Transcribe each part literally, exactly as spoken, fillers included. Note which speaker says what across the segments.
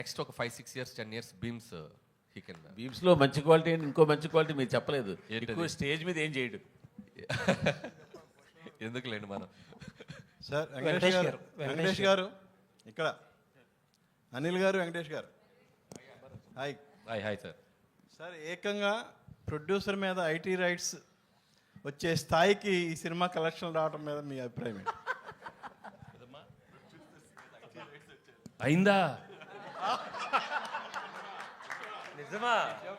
Speaker 1: Next ఒక five six years ten years beams he can
Speaker 2: beams లో మంచి quality ఇంకో మంచి క్వాలిటీ మీరు చెప్పలేదు.
Speaker 1: ఏంటది?
Speaker 2: ఎక్కువ స్టేజ్ మీద ఏం చేయడు.
Speaker 1: ఎందుకులేండి మనం.
Speaker 3: సార్ వెంకటేష్ గారు వెంకటేష్ గారు ఇక్కడ అనిల్ గారు వెంకటేష్ గారు hi
Speaker 1: hi hi sir.
Speaker 3: Sir ఏకంగా ప్రొడ్యూసర్ మీద ఐటీ రైట్స్ వచ్చే స్థాయికి ఈ సినిమా కలెక్షన్ రావడం మీద మీ అభిప్రాయం ఏంటి?
Speaker 4: అయిందా?
Speaker 2: నిజమా?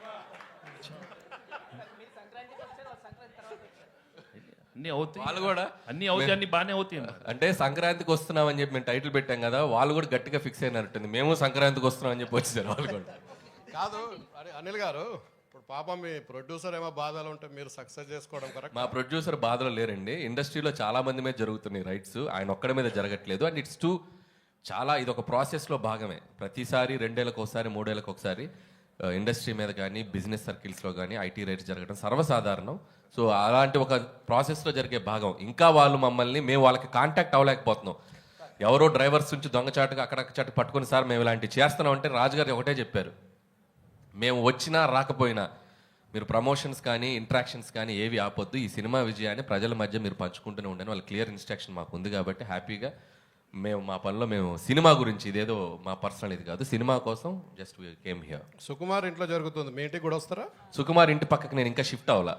Speaker 4: అన్ని అవుతాయి,
Speaker 1: వాళ్ళు కూడా
Speaker 4: అన్ని అవుతాయి, అన్ని బాగానే అవుతాయి.
Speaker 1: అంటే సంక్రాంతికి వస్తున్నాం అని చెప్పి మేము టైటిల్ పెట్టాం కదా, వాళ్ళు కూడా గట్టిగా ఫిక్స్ అయినట్టుంది. మేము సంక్రాంతికి వస్తున్నాం అని చెప్పి వచ్చేసారు వాళ్ళు కూడా.
Speaker 5: కాదు అరే అనిల్ గారు, ఇప్పుడు పాపం మీ ప్రొడ్యూసర్ ఏమో బాధలు ఉంటే మీరు సక్సెస్ చేసుకోవడం కరెక్ట్.
Speaker 1: మా ప్రొడ్యూసర్ బాధలో లేరండి. ఇండస్ట్రీలో చాలా మంది మీద జరుగుతున్నాయి రైట్స్, ఆయన ఒక్కడి మీద జరగట్లేదు. అండ్ ఇట్స్ టూ చాలా ఇది ఒక ప్రాసెస్లో భాగమే. ప్రతిసారి రెండేళ్ళకి ఒకసారి మూడేళ్ళకి ఒకసారి ఇండస్ట్రీ మీద కానీ బిజినెస్ సర్కిల్స్లో కానీ ఐటీ రైట్స్ జరగడం సర్వసాధారణం. సో అలాంటి ఒక ప్రాసెస్లో జరిగే భాగం. ఇంకా వాళ్ళు మమ్మల్ని మేము వాళ్ళకి కాంటాక్ట్ అవ్వలేకపోతున్నాం. ఎవరో డ్రైవర్స్ నుంచి దొంగచాటుగా అక్కడక్కడ పట్టుకుని సార్ మేము ఇలాంటివి చేస్తున్నాం అంటే రాజుగారు ఒకటే చెప్పారు, మేము వచ్చినా రాకపోయినా మీరు ప్రమోషన్స్ కానీ ఇంట్రాక్షన్స్ కానీ ఏవి ఆపొద్దు, ఈ సినిమా విజయాన్ని ప్రజల మధ్య మీరు పంచుకుంటూనే ఉండని వాళ్ళ క్లియర్ ఇన్స్ట్రక్షన్ మాకు ఉంది. కాబట్టి హ్యాపీగా మేము మా పనిలో మేము సినిమా గురించి ఇదేదో మా పర్సనల్ ఇది కాదు, సినిమా కోసం జస్ట్ కేమ్ హియర్.
Speaker 5: సుకుమార్ ఇంట్లో జరుగుతుంది, మీ ఇంటికి కూడా వస్తారా?
Speaker 1: సుకుమార్ ఇంటి పక్కకి నేను ఇంకా షిఫ్ట్ అవ్వాలా,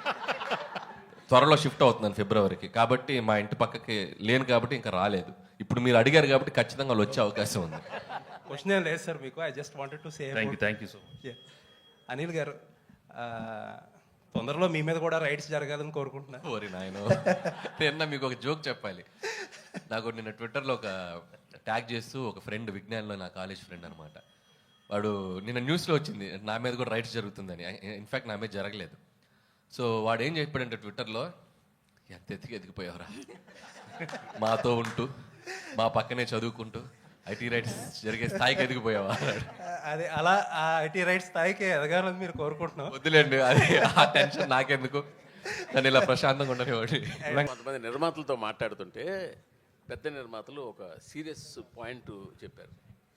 Speaker 1: త్వరలో షిఫ్ట్ అవుతున్నాను ఫిబ్రవరికి. కాబట్టి మా ఇంటి పక్కకి లేను కాబట్టి ఇంకా రాలేదు. ఇప్పుడు మీరు అడిగారు కాబట్టి ఖచ్చితంగా వాళ్ళు వచ్చే అవకాశం ఉంది.
Speaker 6: క్వశ్చన్ ఏం లేదు సార్ మీకు. I just wanted to say
Speaker 4: thank you thank you so much.
Speaker 6: Anil గారు, ఆ, తొందరలో మీ మీద కూడా రైట్స్ జరగాలని కోరుకుంటున్నాను.
Speaker 1: ఓరి నాయన, నిన్న మీకు ఒక జోక్ చెప్పాలి. నాకు నిన్న ట్విట్టర్లో ఒక ట్యాగ్ చేస్తూ ఒక ఫ్రెండ్, విజ్ఞాన్లో నా కాలేజ్ ఫ్రెండ్ అనమాట, వాడు నిన్న న్యూస్లో వచ్చింది నా మీద కూడా రైట్స్ జరుగుతుందని. ఇన్ఫ్యాక్ట్ నా మీద జరగలేదు. సో వాడు ఏం చెప్పాడంటే ట్విట్టర్లో, ఎంత ఎత్తికి ఎదిగిపోయావురా, మాతో ఉంటూ మా పక్కనే చదువుకుంటూ ఐటీ రైట్స్ జరిగే స్థాయికి ఎదిగిపోయావా.
Speaker 6: అదే అలా ఆ ఐటీ రైట్స్ స్థాయికి ఎదగాలని మీరు కోరుకుంటున్నాం.
Speaker 1: వద్దులేండి, అది ఆ టెన్షన్ నాకెందుకు, నన్ను ఇలా ప్రశాంతంగా ఉండనివ్వండి.
Speaker 2: కొంతమంది నిర్మాతలతో మాట్లాడుతుంటే పెద్ద నిర్మాతలు ఒక సీరియస్ పాయింట్ చెప్పారు.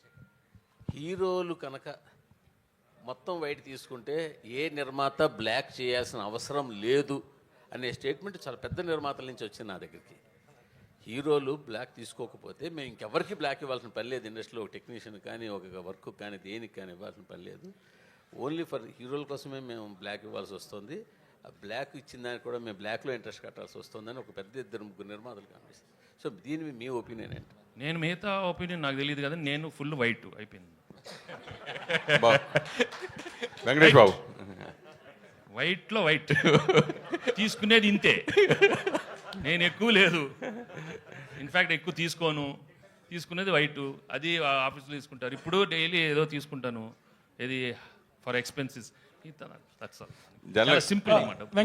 Speaker 2: హీరోలు కనుక మొత్తం వైట్ తీసుకుంటే ఏ నిర్మాత బ్లాక్ చేయాల్సిన అవసరం లేదు అనే స్టేట్మెంట్ చాలా పెద్ద నిర్మాతల నుంచి వచ్చింది నా దగ్గరికి. హీరోలు బ్లాక్ తీసుకోకపోతే మేము ఇంకెవరికి బ్లాక్ ఇవ్వాల్సిన పని లేదు. ఇండస్ట్రీలో ఒక టెక్నీషియన్ కానీ ఒక వర్క్ కానీ దేనికి కానీ ఇవ్వాల్సిన పని లేదు. ఓన్లీ ఫర్ హీరోల కోసమే మేము బ్లాక్ ఇవ్వాల్సి వస్తుంది. ఆ బ్లాక్ ఇచ్చిన దానికి కూడా మేము బ్లాక్లో ఇంట్రెస్ట్ కట్టాల్సి వస్తుందని ఒక పెద్ద ఇద్దరు ముగ్గురు నిర్మాతలు కనిపిస్తుంది. సో దీని మీ ఒపీనియన్ ఏంటి?
Speaker 4: నేను మిగతా ఒపీనియన్ నాకు తెలియదు కదా, నేను ఫుల్ వైట్ అయిపోయింది.
Speaker 7: వెంకటేష్ బాబు
Speaker 4: వైట్లో వైట్ తీసుకునేది ఇంతే, నేను ఎక్కువ లేదు. ఇన్ఫ్యాక్ట్ ఎక్కువ తీసుకోను, తీసుకునేది వైట్. అది ఆఫీస్లో తీసుకుంటారు. ఇప్పుడు డైలీ ఏదో తీసుకుంటాను, ఇది ఫర్ ఎక్స్పెన్సెస్. సింపుల్ అన్నమాట.